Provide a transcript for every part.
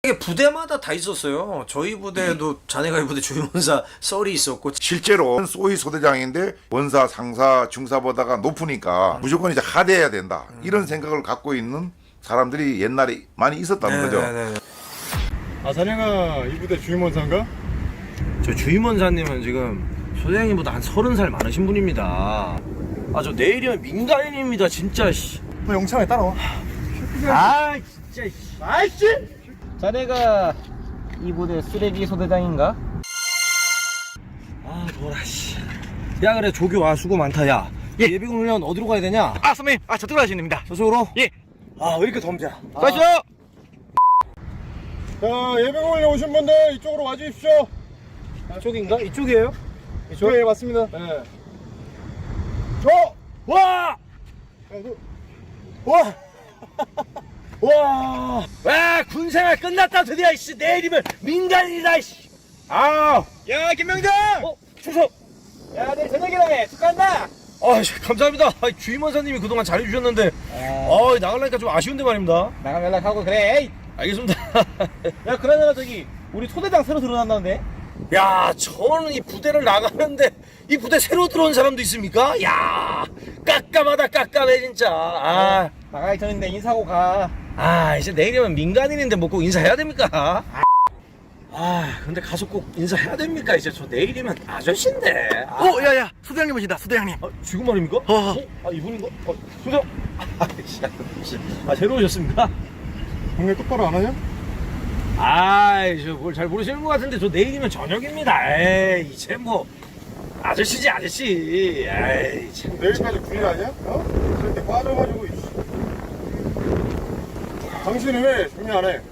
이게 부대마다 다 있었어요. 저희 부대에도 자네가 이 부대 주임원사 썰이 있었고. 실제로 소위 소대장인데 원사, 상사, 중사보다가 높으니까 무조건 이제 하대해야 된다. 이런 생각을 갖고 있는 사람들이 옛날에 많이 있었다는 거죠. 아, 자네가 이 부대 주임원사인가? 저 주임원사님은 지금 소대장님보다 한 30살 많으신 분입니다. 아, 저 내일이면 민간인입니다, 진짜. 씨. 너 영창에 따라와. 아, 진짜. 씨. 아이씨! 자네가 이 부대 쓰레기 소대장인가? 아, 더라, 씨. 야, 그래, 조교, 아, 수고 많다, 야. 예비군 훈련 어디로 가야 되냐? 아 선배님, 저쪽으로 가시면 됩니다. 저쪽으로? 예. 아, 왜 이렇게 덤벼? 가시죠. 자, 예비군에 오신 분들 이쪽으로 와주십시오. 이쪽인가? 이쪽이에요? 이쪽? 네, 맞습니다. 네. 와! 와! 와! 와, 군생활 끝났다, 드디어, 이씨. 내일이면 민간인이다, 이씨. 아! 야 김명장. 충성! 야 내일 저녁이라며 축하한다. 아, 감사합니다. 아, 주임원사님이 그동안 잘해주셨는데, 나가려니까 좀 아쉬운데 말입니다. 나가면 연락하고 그래. 에이. 알겠습니다. 야 그러잖아 저기 우리 소대장 새로 들어난다는데. 야, 저는 이 부대를 나가는데, 이 부대 새로 들어온 사람도 있습니까? 야, 깜깜하다, 깜깜해, 진짜. 나가기 전인데 인사하고 가. 이제 내일이면 민간인인데 뭐 꼭 인사해야 됩니까? 근데 가서 꼭 인사해야 됩니까? 이제 저 내일이면 아저씨인데. 야야 소대장님 오신다. 소대장님. 지금 말입니까? 이분인가? 소장. 새로 오셨습니까? 동네 똑바로 안 하냐? 저 뭘 잘 모르시는 것 같은데, 저 내일이면 저녁입니다. 에이, 이제 뭐, 아저씨지, 아저씨. 에이, 참. 내일까지 군인 아니야? 저렇게 빠져가지고. 이씨. 당신은 왜 정리 안 해?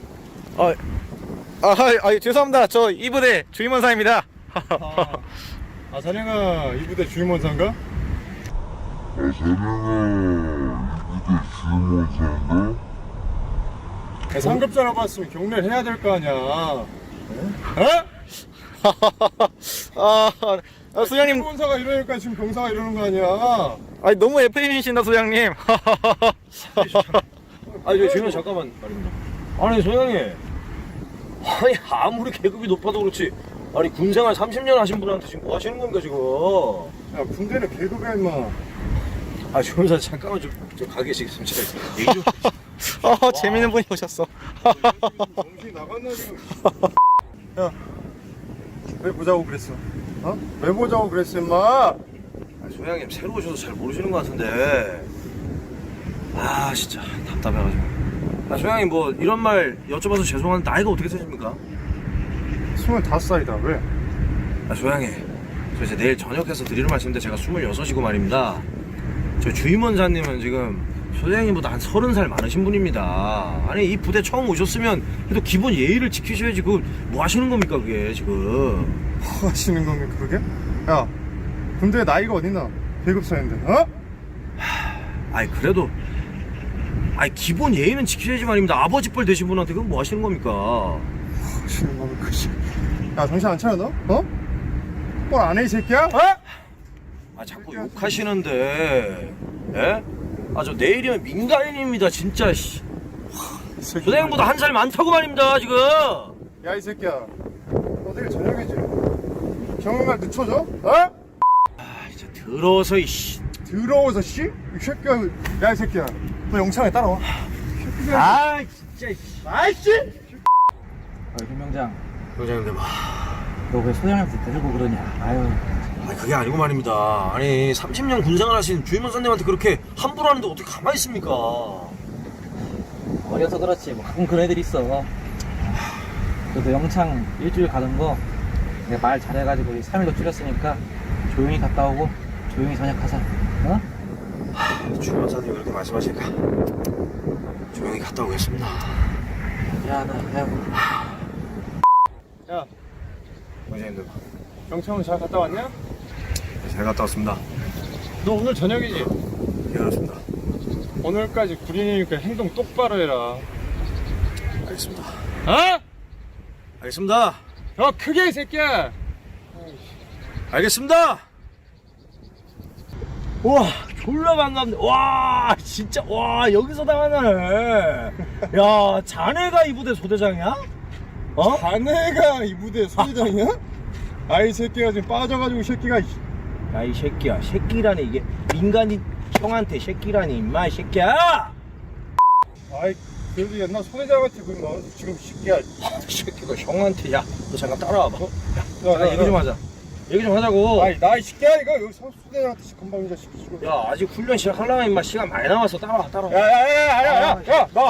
죄송합니다. 저 이 부대 주임원사입니다. 자네가 이 부대 주임원사인가? 상급자 나봤으면 경례를 해야 될 거 아니야. 소장님, 주임원사가 이러니까 지금 병사가 이러는 거 아니야. 너무 FM이신다 소장님. 저 지금 잠깐만 말입니다. 아니, 소장님. 아무리 계급이 높아도 그렇지. 아니, 군생활 30년 하신 분한테 지금 뭐 하시는 겁니까, 지금? 야, 군대는 계급이야, 임마. 조임사 잠깐만 좀 가 계시겠습니다. 얘기 좀. 재밌는 분이 오셨어. 정신 나갔나, 지금. 야, 왜 보자고 그랬어? 왜 보자고 그랬어, 임마? 소장님, 새로 오셔서 잘 모르시는 것 같은데. 진짜 답답해가지고. 소장님, 뭐 이런 말 여쭤봐서 죄송한데 나이가 어떻게 되십니까? 25살이다, 왜? 소장님, 저 이제 내일 저녁해서 드리는 말씀인데, 제가 26이고 말입니다. 저 주임원사님은 지금 소장님보다 한 30살 많으신 분입니다. 아니, 이 부대 처음 오셨으면 그래도 기본 예의를 지키셔야지. 뭐 하시는 겁니까, 그게 지금? 뭐 하시는 겁니까, 그게? 야, 군대에 나이가 어딨나? 계급사인데, 그래도 기본 예의는 지키셔야지 말입니다. 아버지 뻘 되신 분한테 그건 뭐 하시는 겁니까? 하시는 겁니까, 씨. 야, 정신 안 차려, 너? 뭘 안 해, 이 새끼야? 자꾸 욕하시는데, 예? 저 내일이면 민간인입니다, 진짜, 씨. 소장님보다 한 살 많다고 말입니다, 지금. 야, 이 새끼야. 너 내일 저녁이지? 경험날 늦춰져? 진짜 더러워서, 이씨. 더러워서, 씨? 이 새끼야. 야, 이 새끼야. 너 영창에 따라와. 진짜, 씨. 아이씨! 김명장, 소장님들, 너 왜 소장님 데리고 그러냐? 그게 아니고 말입니다. 아니, 30년 군생활 하신 주임원사님한테 그렇게 함부로 하는데 어떻게 가만히 있습니까? 어려서 그렇지 뭐 가끔 그런 애들 있어. 그래도 영창 일주일 가는 거 내가 말 잘해가지고 3일로 줄였으니까 조용히 갔다 오고 조용히 전역하자. 주임원사님이 그렇게 말씀하시니까 조용히 갔다 오겠습니다. 미안하다. 야, 원장님들, 영창은 잘 갔다 왔냐? 잘 갔다 왔습니다. 너 오늘 저녁이지? 예, 그렇습니다. 오늘까지 군인이니까 행동 똑바로 해라. 알겠습니다. 알겠습니다. 더 크게, 이 새끼야! 알겠습니다. 와, 졸라 반갑네. 와, 진짜, 와, 여기서 당하네. 야, 자네가 이 부대 소대장이야? 어? 자네가 이 부대 소대장이야? 아이 새끼가 지금 빠져가지고 이 새끼가. 야 이 새끼야, 새끼라니 이게 민간인 형한테 새끼라니 임마 이 새끼야. 아이 그래도 옛날 소대장한테 그뭐 지금 이 새끼야. 이 새끼가 형한테. 야 너 잠깐 따라와봐. 야, 잠깐 얘기 좀 하자. 얘기 좀 하자고. 아이 나이 새끼야 이거 여기 소대장한테 금방 이 자식 지금. 야 아직 훈련 시작하려면 임마 시간 많이 남았어. 따라와. 야야야야야야 너.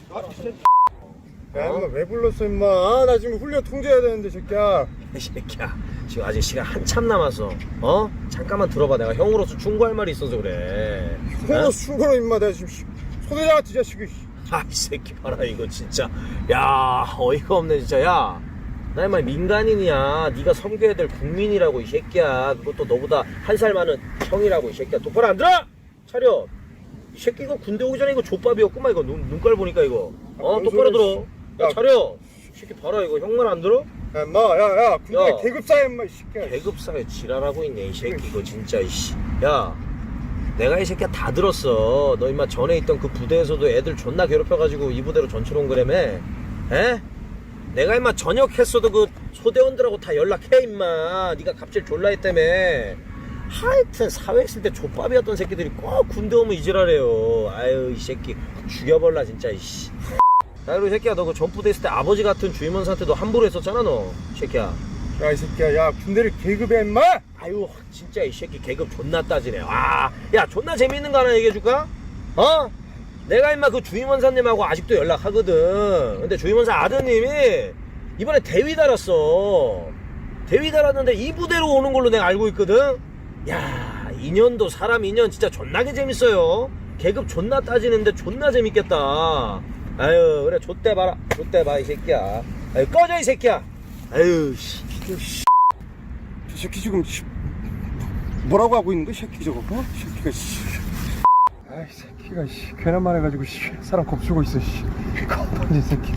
야 임마 왜 불렀어 임마. 아, 나 지금 훈련 통제해야 되는데 새끼야. 이 새끼야 지금 아직 시간 한참 남았어. 어? 잠깐만 들어봐. 내가 형으로서 충고할 말이 있어서 그래. 형으로 충고로 임마 내가 지금 소대장한테 이 자식이. 아 이 새끼 봐라 이거 진짜. 야 어이가 없네 진짜. 야 나 임마 민간인이야. 네가 섬겨야 될 국민이라고 이 새끼야. 그것도 너보다 한 살 많은 형이라고 이 새끼야. 똑바로 안 들어? 차려. 이 새끼 이거 군대 오기 전에 이거 족밥이었구만. 이거 눈깔 보니까 이거. 뭔 똑바로 소리야, 들어. 야 차려. 이 새끼 봐라 이거. 형 말 안 들어? 야 임마 야야 군대 야. 계급사야 임마 이 새끼야. 계급사에 지랄하고 있네 이 새끼 이거 진짜 이씨. 야 내가 이 새끼야 다 들었어. 너 임마 전에 있던 그 부대에서도 애들 존나 괴롭혀가지고 이 부대로 전출 온 거라며. 에? 내가 임마 전역했어도 그 소대원들하고 다 연락해 임마. 네가 갑질 졸라 했다며. 하여튼 사회 있을 때 족밥이었던 새끼들이 꼭 군대 오면 이지랄해요. 아유 이 새끼 죽여버라 진짜 이씨. 야 그리고 이 새끼야 너 그 전부대 있을 때 아버지 같은 주임원사한테 너 함부로 했었잖아 너 이 새끼야. 야 이 새끼야 야 군대를 계급해 임마. 아유 진짜 이 새끼 계급 존나 따지네. 와, 야 존나 재밌는 거 하나 얘기해줄까? 어? 내가 임마 그 주임원사님하고 아직도 연락하거든. 근데 주임원사 아드님이 이번에 대위 달았어. 대위 달았는데 이 부대로 오는 걸로 내가 알고 있거든. 야 2년도 사람 2년 진짜 존나게 재밌어요. 계급 존나 따지는데 존나 재밌겠다. 아유 그래 좆대 봐라. 좆대 봐 이 새끼야. 아유 꺼져 이 새끼야. 아유 씨. 저 새끼 지금 뭐라고 하고 있는 거야 이 새끼 저거. 어? 이 새끼가 씨. 아이 새끼가 씨 괜한 말 해가지고 씨 사람 겁주고 있어 씨. 겁나지 새끼.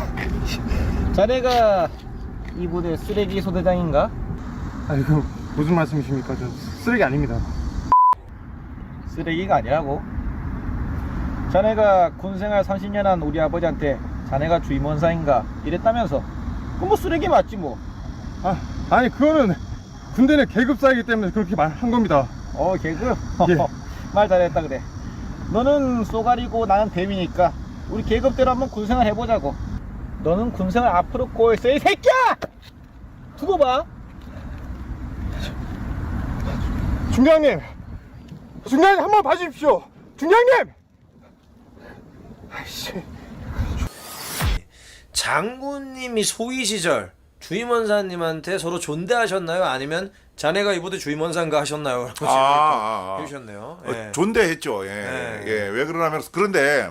자네가 이 부대 쓰레기 소대장인가? 아이고 무슨 말씀이십니까? 저 쓰레기 아닙니다. 쓰레기가 아니라고. 자네가 군생활 30년 한 우리 아버지한테 자네가 주임원사인가 이랬다면서. 그럼 뭐 쓰레기 맞지 뭐. 아니 그거는 군대는 계급사이기 때문에 그렇게 말한 겁니다. 계급? 예. 말 잘했다 그래. 너는 쏘가리고 나는 뱀이니까 우리 계급대로 한번 군생활 해보자고. 너는 군생활 앞으로 꼬였어 이 새끼야! 두고 봐. 중장님 한번 봐주십시오. 중장님. 아이씨. 장군님이 소위 시절 주임원사님한테 서로 존대하셨나요? 아니면 자네가 이 부대 주임원사인가 하셨나요? 해주셨네요. 예. 존대했죠. 예. 예. 예. 왜 그러냐면 그런데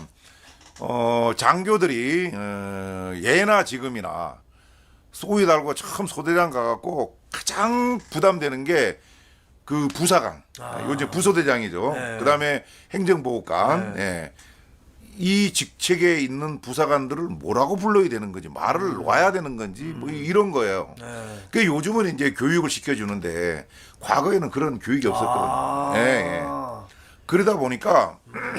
장교들이 예나 지금이나 소위 달고 처음 소대장 가갖고 가장 부담되는 게 그 부사관, 요즘 부소대장이죠. 네. 그다음에 행정보호관. 예. 이 직책에 있는 부사관들을 뭐라고 불러야 되는 건지 말을 놔야 되는 건지 뭐 이런 거예요. 그 요즘은 이제 교육을 시켜주는데 과거에는 그런 교육이 없었거든요. 예, 예. 그러다 보니까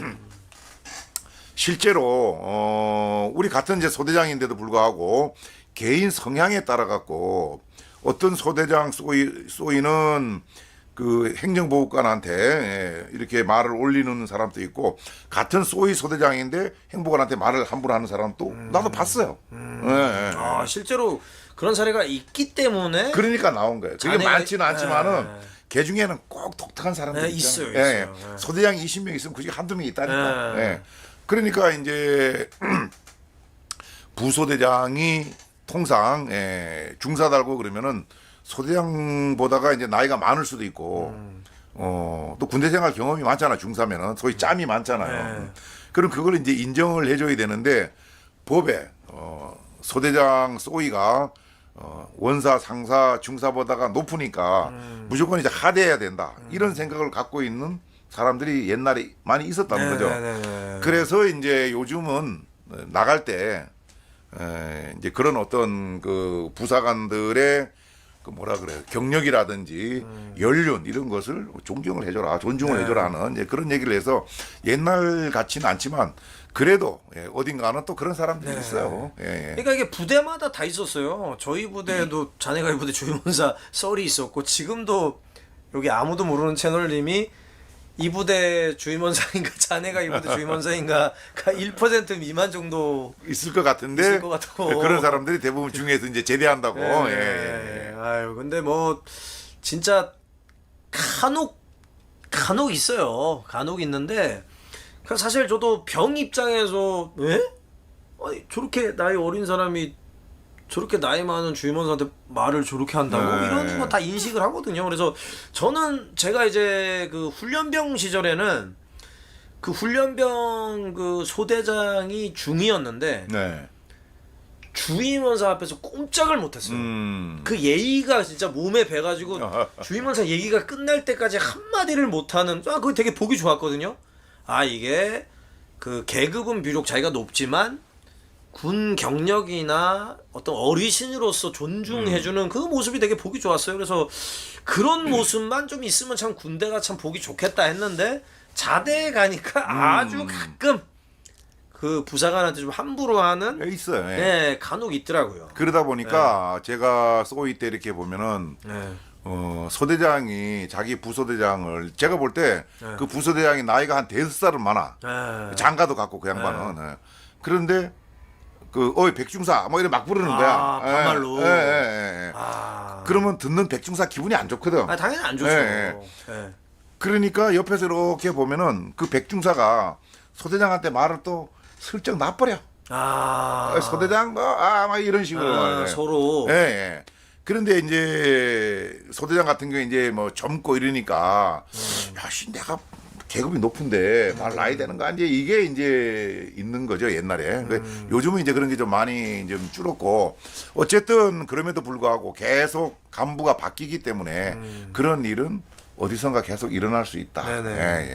실제로 우리 같은 이제 소대장인데도 불구하고 개인 성향에 따라 갖고 어떤 소대장 쏘이는 그 행정보호관한테 이렇게 말을 올리는 사람도 있고 같은 소위 소대장인데 행보관한테 말을 함부로 하는 사람도 나도 봤어요. 예, 예. 아 실제로 그런 사례가 있기 때문에 그러니까 나온 거예요. 그게 자네가- 많지는 않지만은 예. 개 중에는 꼭 독특한 사람들이 있어요, 있잖아요. 있어요. 예, 예. 예. 소대장이 20명 있으면 그중에 한두 명 있다니까. 예. 예. 그러니까 이제 부소대장이 통상 중사 달고 그러면은 소대장보다가 이제 나이가 많을 수도 있고 또 군대 생활 경험이 많잖아. 중사면은 소위 짬이 많잖아요. 그럼 그걸 이제 인정을 해줘야 되는데 법에 소대장 소위가 원사, 상사, 중사보다가 높으니까 무조건 이제 하대해야 된다. 이런 생각을 갖고 있는 사람들이 옛날에 많이 있었다는 거죠. 그래서 이제 요즘은 나갈 때 이제 그런 어떤 그 부사관들의 그 뭐라 그래요 경력이라든지 연륜 이런 것을 존경을 해줘라 존중을 해줘라는 이제 그런 얘기를 해서 옛날 같지는 않지만 그래도 어딘가는 또 그런 사람들이 있어요. 그러니까 이게 부대마다 다 있었어요. 저희 부대도 자네가 이 부대 주임원사 썰이 있었고 지금도 여기 아무도 모르는 채널님이 이 부대 주임원사인가 자네가 이 부대 주임원사인가가 1% 미만 정도 있을 것 같은데 있을 것 같고. 그런 사람들이 대부분 중에서 이제 제대한다고. 아유 근데 뭐 진짜 간혹 있어요. 간혹 있는데 사실 저도 병 입장에서 왜? 아니 저렇게 나이 어린 사람이 저렇게 나이 많은 주임원사한테 말을 저렇게 한다고 이런 거 다 인식을 하거든요. 그래서 저는 제가 이제 그 훈련병 시절에는 그 훈련병 그 소대장이 중이었는데 네. 주임원사 앞에서 꼼짝을 못했어요. 그 예의가 진짜 몸에 배가지고 주임원사 얘기가 끝날 때까지 한마디를 못하는 그거 되게 보기 좋았거든요. 아 이게 그 계급은 비록 자기가 높지만 군 경력이나 어떤 어르신으로서 존중해주는 그 모습이 되게 보기 좋았어요. 그래서 그런 모습만 좀 있으면 참 군대가 참 보기 좋겠다 했는데 자대에 가니까 아주 가끔 그 부사관한테 좀 함부로 하는 있어요. 네, 간혹 있더라고요. 그러다 보니까 제가 소위 때 이렇게 보면은 소대장이 자기 부소대장을 제가 볼 때 그 부소대장이 나이가 한 5살은 많아. 장가도 갖고 그 양반은. 그런데 그 어이 백중사 뭐 이래 막 부르는 거야. 반말로. 그러면 듣는 백중사 기분이 안 좋거든. 당연히 안 좋죠. 그러니까 옆에서 이렇게 보면은 그 백중사가 소대장한테 말을 또 슬쩍 놔버려. 소대장 막 이런 식으로 서로. 그런데 이제 소대장 같은 경우에 이제 뭐 젊고 이러니까 야씨 내가 계급이 높은데 말 나이 되는 거 아니지 이게 이제 있는 거죠 옛날에. 요즘은 이제 그런 게 좀 많이 좀 줄었고 어쨌든 그럼에도 불구하고 계속 간부가 바뀌기 때문에 그런 일은 어디선가 계속 일어날 수 있다. 네네.